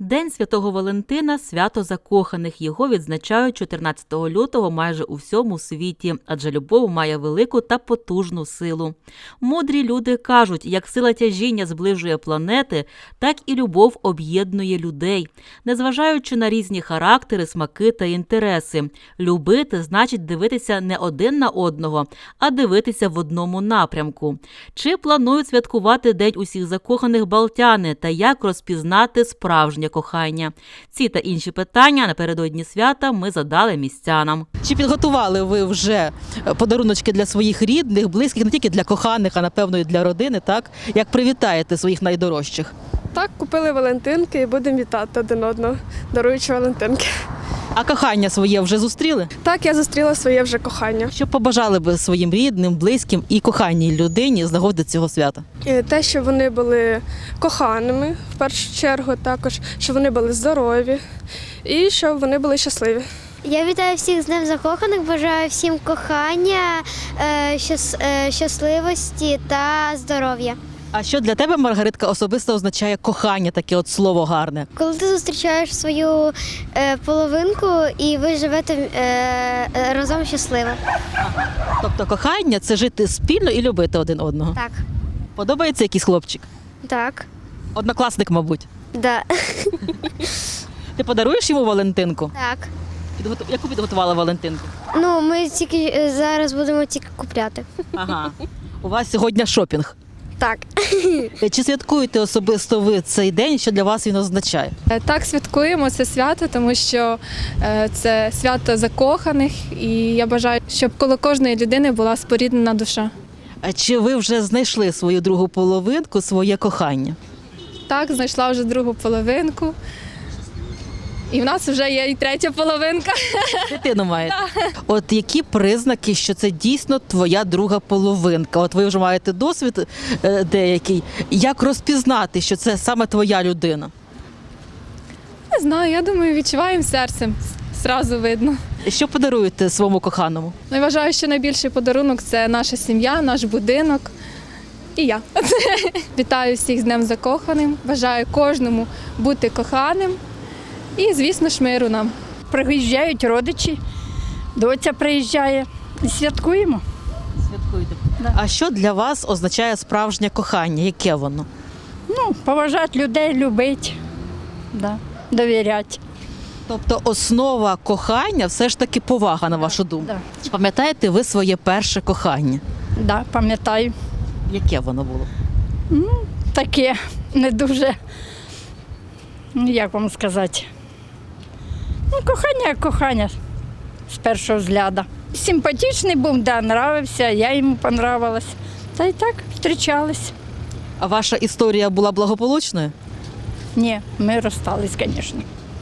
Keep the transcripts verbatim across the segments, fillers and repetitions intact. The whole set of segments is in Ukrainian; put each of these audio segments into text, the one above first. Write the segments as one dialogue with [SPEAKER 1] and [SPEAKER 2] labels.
[SPEAKER 1] День Святого Валентина – свято закоханих. Його відзначають чотирнадцятого лютого майже у всьому світі, адже любов має велику та потужну силу. Мудрі люди кажуть, як сила тяжіння зближує планети, так і любов об'єднує людей. Незважаючи на різні характери, смаки та інтереси. Любити – значить дивитися не один на одного, а дивитися в одному напрямку. Чи планують святкувати День усіх закоханих балтяни та як розпізнати справжнє кохання? Ці та інші питання напередодні свята ми задали містянам.
[SPEAKER 2] Чи підготували ви вже подаруночки для своїх рідних, близьких, не тільки для коханих, а напевно і для родини, так? Як привітаєте своїх найдорожчих?
[SPEAKER 3] Так, купили валентинки і будемо вітати один одного, даруючи валентинки.
[SPEAKER 2] А кохання своє вже зустріли?
[SPEAKER 3] Так, я зустріла своє вже кохання.
[SPEAKER 2] Що побажали би своїм рідним, близьким і коханій людині з нагоди цього свята?
[SPEAKER 3] І те, що вони були коханими, в першу чергу, також, щоб вони були здорові і щоб вони були щасливі.
[SPEAKER 4] Я вітаю всіх з Днем закоханих, бажаю всім кохання, е, щас- е, щасливості та здоров'я.
[SPEAKER 2] А що для тебе, Маргаритка, особисто означає кохання, таке от слово гарне?
[SPEAKER 4] Коли ти зустрічаєш свою е, половинку і ви живете е, е, разом щасливо.
[SPEAKER 2] Тобто кохання – це жити спільно і любити один одного.
[SPEAKER 4] Так.
[SPEAKER 2] Подобається якийсь хлопчик?
[SPEAKER 4] Так.
[SPEAKER 2] Однокласник, мабуть.
[SPEAKER 4] Да.
[SPEAKER 2] Ти подаруєш йому Валентинку?
[SPEAKER 4] Так.
[SPEAKER 2] Підготу... Яку підготувала Валентинку?
[SPEAKER 4] Ну, ми тільки е, зараз будемо тільки купляти.
[SPEAKER 2] Ага. У вас сьогодні шопінг.
[SPEAKER 4] Так.
[SPEAKER 2] Чи святкуєте особисто ви цей день, що для вас він означає?
[SPEAKER 5] Так, святкуємо це свято, тому що е, це свято закоханих, і я бажаю, щоб коло кожної людини була споріднена душа.
[SPEAKER 2] А чи ви вже знайшли свою другу половинку, своє кохання?
[SPEAKER 5] Так, знайшла вже другу половинку, і в нас вже є і третя половинка.
[SPEAKER 2] Дитину маєте? От які признаки, що це дійсно твоя друга половинка? От ви вже маєте досвід е, деякий. Як розпізнати, що це саме твоя людина?
[SPEAKER 5] Не знаю, я думаю, відчуваємо серцем, зразу видно.
[SPEAKER 2] Що подаруєте своєму коханому?
[SPEAKER 5] Ну, я вважаю, що найбільший подарунок – це наша сім'я, наш будинок і я. Вітаю всіх з Днем закоханим, бажаю кожному бути коханим і, звісно ж, миру нам.
[SPEAKER 6] Приїжджають родичі, доця приїжджає. І святкуємо.
[SPEAKER 2] Святкуєте.
[SPEAKER 6] Да.
[SPEAKER 2] А що для вас означає справжнє кохання? Яке воно?
[SPEAKER 6] Ну, поважати людей, любити, да, довіряти.
[SPEAKER 2] Тобто основа кохання все ж таки повага, на вашу думку.
[SPEAKER 6] Да.
[SPEAKER 2] Чи пам'ятаєте ви своє перше кохання?
[SPEAKER 6] Да, пам'ятаю.
[SPEAKER 2] Яке воно було?
[SPEAKER 6] Таке не дуже, ну, як вам сказати. Ну, кохання, як кохання з першого взгляду. Симпатичний був, да, нравився, я йому понравилась. Та й так, зустрічались.
[SPEAKER 2] А ваша історія була благополучною?
[SPEAKER 6] Ні, ми розстались, звісно.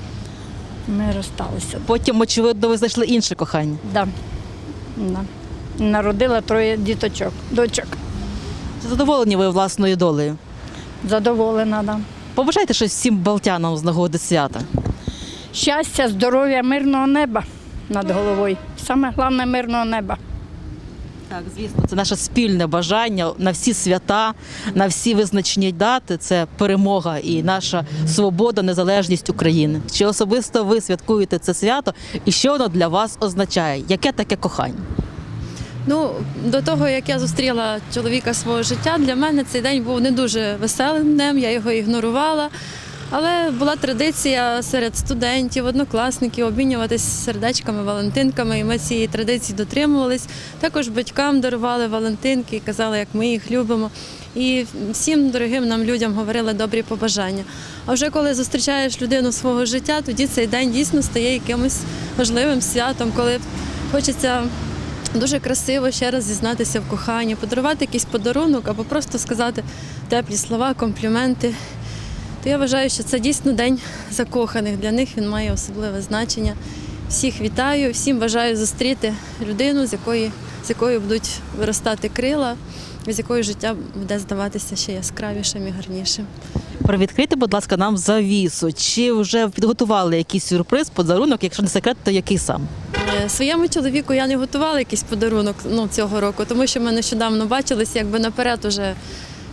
[SPEAKER 6] Ми розсталися.
[SPEAKER 2] Потім, очевидно, ви знайшли інше кохання.
[SPEAKER 6] Да. Да. Народила троє діточок, дочок.
[SPEAKER 2] Чи задоволені ви власною долею?
[SPEAKER 6] Задоволена, да.
[SPEAKER 2] Побажайте щось всім балтянам з нагоди свята.
[SPEAKER 6] Щастя, здоров'я, мирного неба над головою. Саме головне мирного неба.
[SPEAKER 2] Так, звісно, це наше спільне бажання на всі свята, на всі визначні дати. Це перемога і наша свобода, незалежність України. Чи особисто ви святкуєте це свято і що воно для вас означає? Яке таке кохання?
[SPEAKER 7] Ну, до того, як я зустріла чоловіка свого життя, для мене цей день був не дуже веселим днем, я його ігнорувала. Але була традиція серед студентів, однокласників обмінюватися сердечками, валентинками, і ми цієї традиції дотримувались. Також батькам дарували валентинки і казали, як ми їх любимо. І всім дорогим нам людям говорили добрі побажання. А вже коли зустрічаєш людину свого життя, тоді цей день дійсно стає якимось важливим святом, коли хочеться дуже красиво ще раз зізнатися в коханні, подарувати якийсь подарунок або просто сказати теплі слова, компліменти. То я вважаю, що це дійсно день закоханих. Для них він має особливе значення. Всіх вітаю, всім бажаю зустріти людину, з якої, з якою будуть виростати крила, з якою життя буде здаватися ще яскравішим і гарнішим.
[SPEAKER 2] Привідкрийте, будь ласка, нам завісу. Чи вже підготували якийсь сюрприз, подарунок? Якщо не секрет, то який сам?
[SPEAKER 7] Е, Своєму чоловіку я не готувала якийсь подарунок ну, цього року, тому що ми нещодавно бачилися, якби наперед уже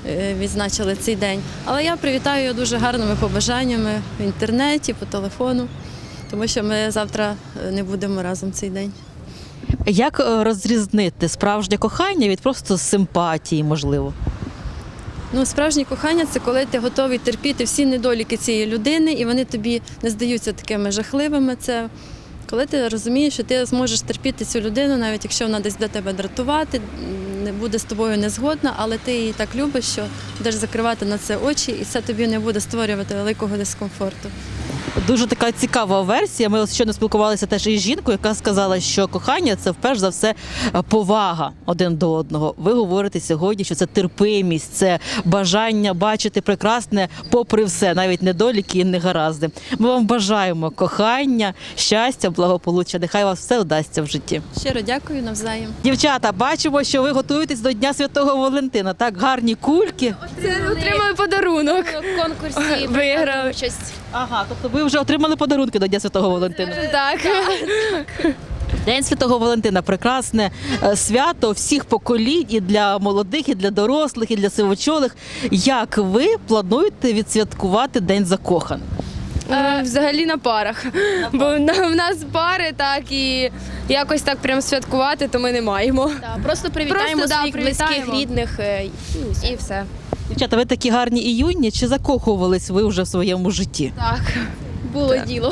[SPEAKER 7] е, відзначили цей день. Але я привітаю його дуже гарними побажаннями в інтернеті, по телефону, тому що ми завтра не будемо разом цей день.
[SPEAKER 2] Як е, розрізнити справжнє кохання від просто симпатії, можливо?
[SPEAKER 7] Ну, справжнє кохання – це коли ти готовий терпіти всі недоліки цієї людини, і вони тобі не здаються такими жахливими. Це коли ти розумієш, що ти зможеш терпіти цю людину, навіть якщо вона десь буде тебе дратувати, не буде з тобою не згодна, але ти її так любиш, що будеш закривати на це очі, і це тобі не буде створювати великого дискомфорту.
[SPEAKER 2] Дуже така цікава версія. Ми ось щойно спілкувалися теж із жінкою, яка сказала, що кохання – це вперше за все повага один до одного. Ви говорите сьогодні, що це терпимість, це бажання бачити прекрасне попри все, навіть недоліки і негаразди. Ми вам бажаємо кохання, щастя, благополуччя. Нехай вас все вдасться в житті.
[SPEAKER 7] Щиро дякую, навзаєм.
[SPEAKER 2] Дівчата, бачимо, що ви готуєтесь до Дня Святого Валентина. Так, гарні кульки.
[SPEAKER 3] Отримали подарунок.
[SPEAKER 8] В конкурсі
[SPEAKER 3] Виграли.
[SPEAKER 8] участь.
[SPEAKER 2] Ага, тобто ви вже отримали подарунки до Дня Святого Валентина.
[SPEAKER 3] Так.
[SPEAKER 2] День Святого Валентина – прекрасне е, свято всіх поколінь, і для молодих, і для дорослих, і для сивочолих. Як ви плануєте відсвяткувати День закоханих?
[SPEAKER 3] Е, Взагалі на парах. Бо на- в нас пари, так, і якось так прям святкувати, то ми не маємо.
[SPEAKER 8] Да, просто привітаємо
[SPEAKER 3] Просто, да,
[SPEAKER 8] своїх
[SPEAKER 3] привітаємо.
[SPEAKER 8] близьких, рідних е, і все.
[SPEAKER 2] Дівчата, ви такі гарні і юні, чи закохувались ви вже в своєму житті?
[SPEAKER 3] Так.
[SPEAKER 8] Було діло.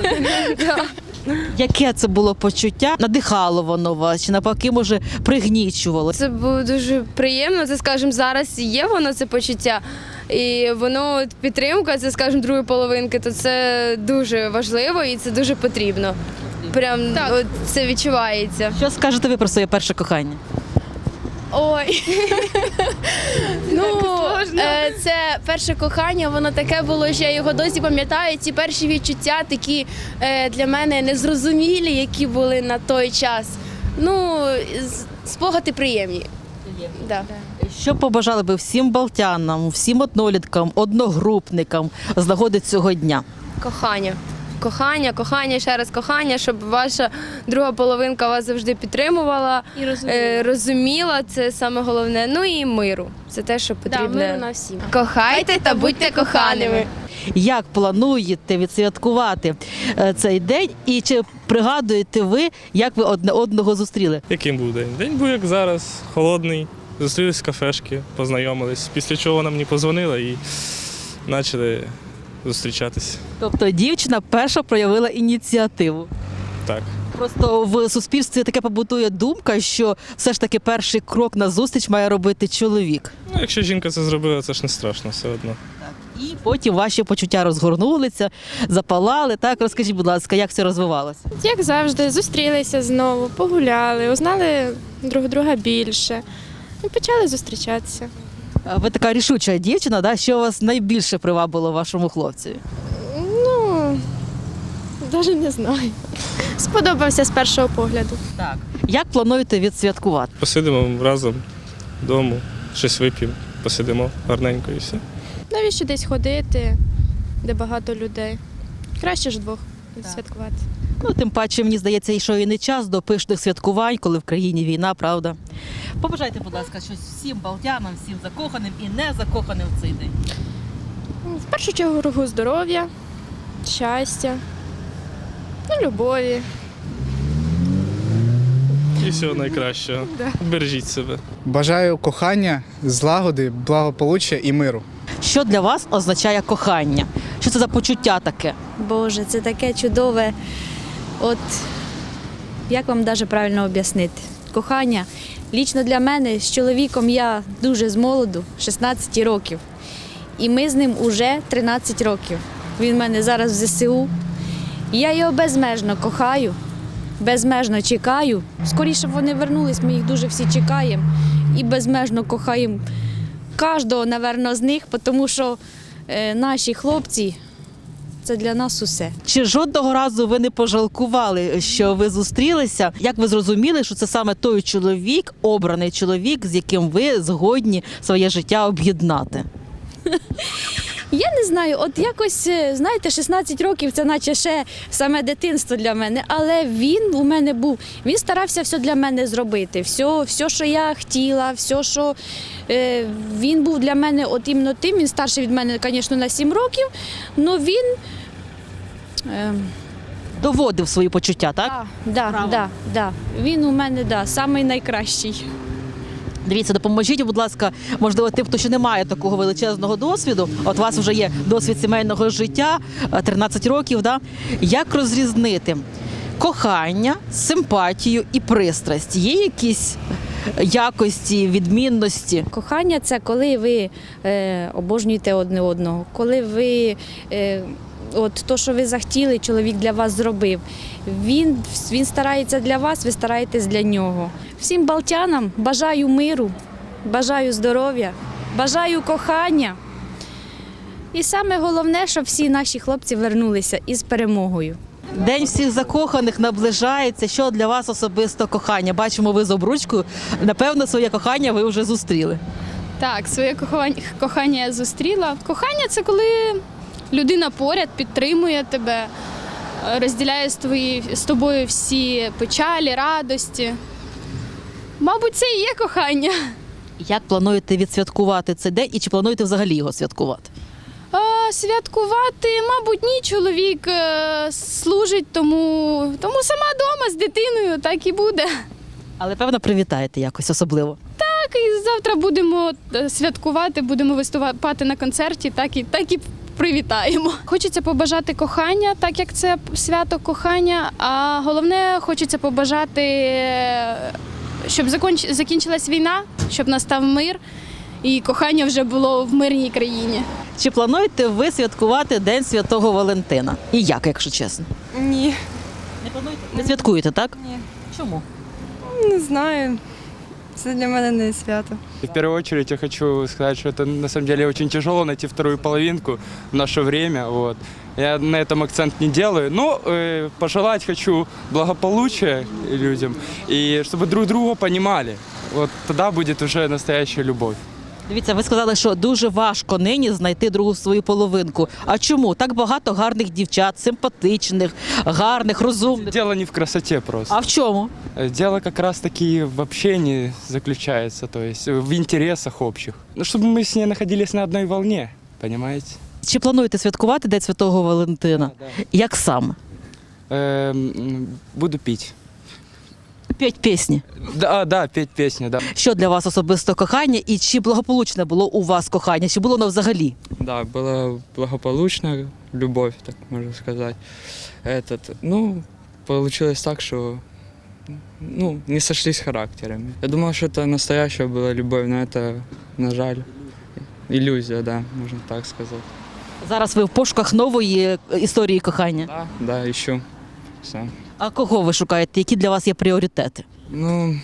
[SPEAKER 2] Яке це було почуття? Надихало воно вас, чи навпаки, може, пригнічувало?
[SPEAKER 3] Це було дуже приємно. Це, скажімо, зараз є воно це почуття. І воно от підтримка, це, скажімо, другої половинки, то це дуже важливо і це дуже потрібно. Прям от, це відчувається.
[SPEAKER 2] Що скажете ви про своє перше кохання?
[SPEAKER 8] Ой. Ну, е, це перше кохання, воно таке було, що я його досі пам'ятаю. Ці перші відчуття такі е, для мене незрозумілі, які були на той час. Ну, з- спогади приємні. Да.
[SPEAKER 2] Що побажали би всім балтянам, всім одноліткам, одногрупникам з нагоди цього дня?
[SPEAKER 3] Кохання. Кохання, кохання, ще раз кохання, щоб ваша друга половинка вас завжди підтримувала,
[SPEAKER 8] І розумію.
[SPEAKER 3] е, розуміла, це саме головне. Ну і миру. Це те, що
[SPEAKER 8] Да,
[SPEAKER 3] потрібно.
[SPEAKER 8] миру на всім.
[SPEAKER 3] Кохайте та будьте коханими.
[SPEAKER 2] Як плануєте відсвяткувати е, цей день? І чи пригадуєте ви, як ви одне одного зустріли?
[SPEAKER 9] Яким був день? День був як зараз, холодний. Зустрілись в кафешки, познайомились. Після чого вона мені позвонила і почали зустрічатись.
[SPEAKER 2] Тобто дівчина перша проявила ініціативу.
[SPEAKER 9] Так.
[SPEAKER 2] Просто в суспільстві таке побутує думка, що все ж таки перший крок на зустріч має робити чоловік.
[SPEAKER 9] Ну, якщо жінка це зробила, це ж не страшно все одно.
[SPEAKER 2] І потім ваші почуття розгорнулися, запалали. Так, розкажіть, будь ласка, як це розвивалося?
[SPEAKER 10] Як завжди, зустрілися знову, погуляли, узнали друг друга більше і почали зустрічатися.
[SPEAKER 2] А ви така рішуча дівчина, да? Що вас найбільше привабило вашому хлопцю?
[SPEAKER 10] Ну, навіть не знаю. Сподобався з першого погляду.
[SPEAKER 2] Так. Як плануєте відсвяткувати?
[SPEAKER 9] Посидимо разом вдома, щось вип'ємо, посидимо гарненько і все.
[SPEAKER 10] Навіщо десь ходити, де багато людей? Краще ж вдвох відсвяткувати.
[SPEAKER 2] Ну, тим паче, мені здається, і що і не час до пишних святкувань, коли в країні війна, правда? Побажайте, будь ласка, щось всім балтянам, всім закоханим і не закоханим в цей день.
[SPEAKER 10] В першу чергу здоров'я, щастя, ну, любові.
[SPEAKER 9] І всього найкращого. Бережіть себе.
[SPEAKER 11] Бажаю кохання, злагоди, благополуччя і миру.
[SPEAKER 2] Що для вас означає кохання? Що це за почуття таке?
[SPEAKER 12] Боже, це таке чудове. От як вам навіть правильно об'яснити? Кохання. Лічно для мене з чоловіком я дуже з молоду, шістнадцять років. І ми з ним уже тринадцять років. Він в мене зараз в зе се у. І я його безмежно кохаю, безмежно чекаю. Скоріше б вони вернулись, ми їх дуже всі чекаємо. І безмежно кохаємо кожного, напевно, з них, тому що е, наші хлопці – це для нас усе.
[SPEAKER 2] Чи жодного разу ви не пожалкували, що ви зустрілися? Як ви зрозуміли, що це саме той чоловік, обраний чоловік, з яким ви згодні своє життя об'єднати?
[SPEAKER 12] Я не знаю, от якось, е, знаєте, шістнадцять років це наче ще саме дитинство для мене, але він у мене був, він старався все для мене зробити, все, все що я хотіла, все, що е, він був для мене от іменно тим, він старший від мене, звісно, на сім років, але він... Е,
[SPEAKER 2] Доводив свої почуття, так?
[SPEAKER 12] Да, да, да, да. Він у мене да, самий найкращий.
[SPEAKER 2] Дивіться, допоможіть, будь ласка, можливо, тим, хто ще не має такого величезного досвіду. От у вас вже є досвід сімейного життя, тринадцять років, да? Як розрізнити кохання, симпатію і пристрасть? Є якісь якості, відмінності?
[SPEAKER 12] Кохання – це коли ви е, обожнюєте одне одного, коли ви, е, от то, що ви захотіли, чоловік для вас зробив. Він, він старається для вас, ви стараєтесь для нього. Всім балтянам бажаю миру, бажаю здоров'я, бажаю кохання. І саме головне, щоб всі наші хлопці вернулися із перемогою.
[SPEAKER 2] День всіх закоханих наближається. Що для вас особисто кохання? Бачимо, ви з обручкою. Напевно, своє кохання ви вже зустріли.
[SPEAKER 5] Так, своє кохання, кохання я зустріла. Кохання це коли людина поряд підтримує тебе, розділяє з, твої, з тобою всі печалі, радості. Мабуть, це і є кохання.
[SPEAKER 2] Як плануєте відсвяткувати цей день і чи плануєте взагалі його святкувати?
[SPEAKER 5] А, святкувати, мабуть, ні. Чоловік е, служить, тому, тому сама вдома з дитиною так і буде.
[SPEAKER 2] Але, певно, привітаєте якось особливо.
[SPEAKER 5] Так, і завтра будемо святкувати, будемо виступати на концерті, так і, так і привітаємо. Хочеться побажати кохання, так як це свято кохання, а головне, хочеться побажати, щоб закінч... закінчилась війна, щоб настав мир і кохання вже було в мирній країні.
[SPEAKER 2] Чи плануєте ви святкувати День Святого Валентина? І як, якщо чесно?
[SPEAKER 13] Ні.
[SPEAKER 2] Не плануєте? Не святкуєте, так?
[SPEAKER 13] Ні.
[SPEAKER 2] Чому?
[SPEAKER 13] Не знаю. Це для мене не свято.
[SPEAKER 14] В первую очередь я хочу сказать, что это на самом деле очень тяжело найти вторую половинку в наше время. Вот. Я на этом акцент не делаю, но э, пожелать хочу благополучия людям и чтобы друг друга понимали. Вот тогда будет уже настоящая любовь.
[SPEAKER 2] Дивіться, ви сказали, що дуже важко нині знайти другу свою половинку. А чому? Так багато гарних дівчат, симпатичних, гарних, розумних.
[SPEAKER 14] Дело не в красоте просто.
[SPEAKER 2] А в чому?
[SPEAKER 14] Дело как раз таки в общении заключается, то есть в интересах общих. Ну, чтобы мы с ней находились на одной волне, понимаете?
[SPEAKER 2] Чи плануєте святкувати День Святого Валентина?
[SPEAKER 14] Да,
[SPEAKER 2] Як саме?
[SPEAKER 14] Эм, буду пить.
[SPEAKER 2] П'ять пісні.
[SPEAKER 14] Да, да, петь песни, да.
[SPEAKER 2] Що для вас особисто кохання і чи благополучне було у вас кохання? Чи було воно взагалі?
[SPEAKER 15] Да, была благополучная любовь, так можно сказать. Этот, ну, получилось так, что ну, не сошлись характерами. Я думал, что это настоящая была любовь, но это, на жаль, иллюзия, да, можно так сказать.
[SPEAKER 2] Зараз ви в пошуках нової історії кохання.
[SPEAKER 15] Да, да, ищу сам.
[SPEAKER 2] А кого ви шукаєте? Які для вас є пріоритети?
[SPEAKER 15] Ну,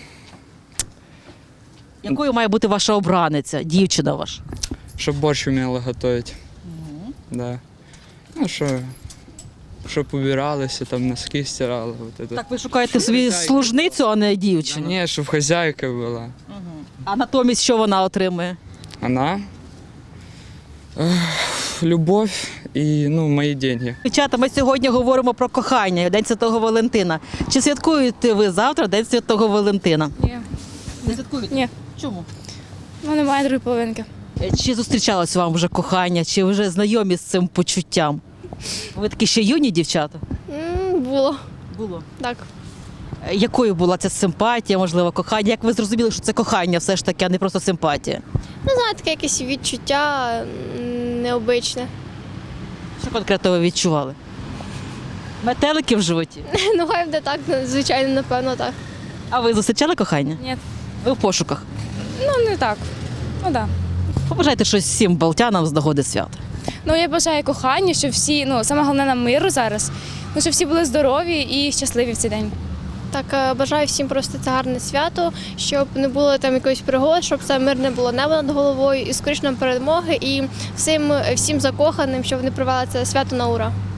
[SPEAKER 2] Якою має бути ваша обраниця, дівчина ваша?
[SPEAKER 15] чтоб борщ умела готовить. Да. Ну, что, чтоб убиралась, и там носки стирала. Вот это.
[SPEAKER 2] Так ви шукаєте собі служницю, а не
[SPEAKER 15] Да
[SPEAKER 2] дівчину?
[SPEAKER 15] не, чтоб хозяйка была.
[SPEAKER 2] А натомість що вона отримує?
[SPEAKER 15] Она? Эх, любовь и, ну, мои деньги.
[SPEAKER 2] Дівчата, ми сьогодні говоримо про кохання, День Святого Валентина. Чи святкуєте ви завтра День Святого Валентина?
[SPEAKER 5] Ні.
[SPEAKER 2] Не святкуєте?
[SPEAKER 5] Ні.
[SPEAKER 2] Чому?
[SPEAKER 5] Ну, немає другої половинки.
[SPEAKER 2] Чи зустрічалось вам вже кохання, чи ви вже знайомі з цим почуттям? Ви такі ще юні дівчата?
[SPEAKER 5] Було.
[SPEAKER 2] Було.
[SPEAKER 5] Так.
[SPEAKER 2] Якою була ця симпатія, можливо, кохання? Як ви зрозуміли, що це кохання все ж таки, а не просто симпатія?
[SPEAKER 10] Ну, знаєте, таке якесь відчуття м, необичне.
[SPEAKER 2] Що конкретно ви відчували? Метелики в животі?
[SPEAKER 10] Ну, хай буде так, звичайно, напевно, так.
[SPEAKER 2] А ви зустрічали кохання?
[SPEAKER 5] Ні.
[SPEAKER 2] Ви в пошуках?
[SPEAKER 5] Ну, не так. Ну, так.
[SPEAKER 2] Побажайте щось всім балтянам з нагоди свята.
[SPEAKER 5] Ну, я бажаю кохання, щоб всі, ну, саме головне нам миру зараз, ну, щоб всі були здорові і щасливі в цей день.
[SPEAKER 10] Так, е, бажаю всім просто це гарне свято, щоб не було там якоїсь пригод, щоб це мирне було небо над головою і скоріше нам перемоги, і всім, всім закоханим, щоб вони провели це свято на ура.